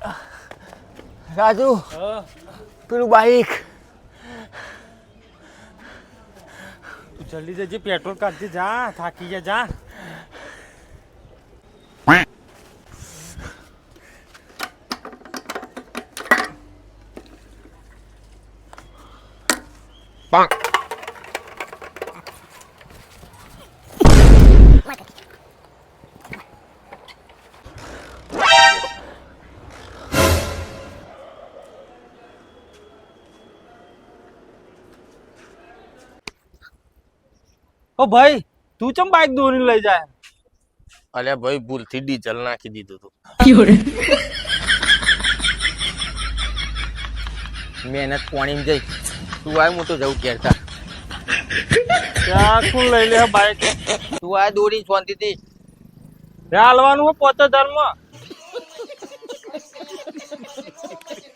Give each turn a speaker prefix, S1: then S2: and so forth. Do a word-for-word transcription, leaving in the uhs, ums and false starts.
S1: રાજુ પેલું બાઈક
S2: તું જલ્દી જજે પેટ્રોલ કાઢજે જા થાકી જા જા ઓ ભાઈ તું ચમ બાઈક દોરીને લઈ જાય
S1: અલ્યા ભાઈ ભૂલથી ડીઝલ નાખી દીધું તું મહેનત પાણી જઈ તું આ હું તો જવું કેરતા
S2: ત્યાં કોણ લઈ લે બાઈક
S1: તું આ દોરી શાંતિથી
S2: ત્યાં હાલવાનું પોતે ધર્મ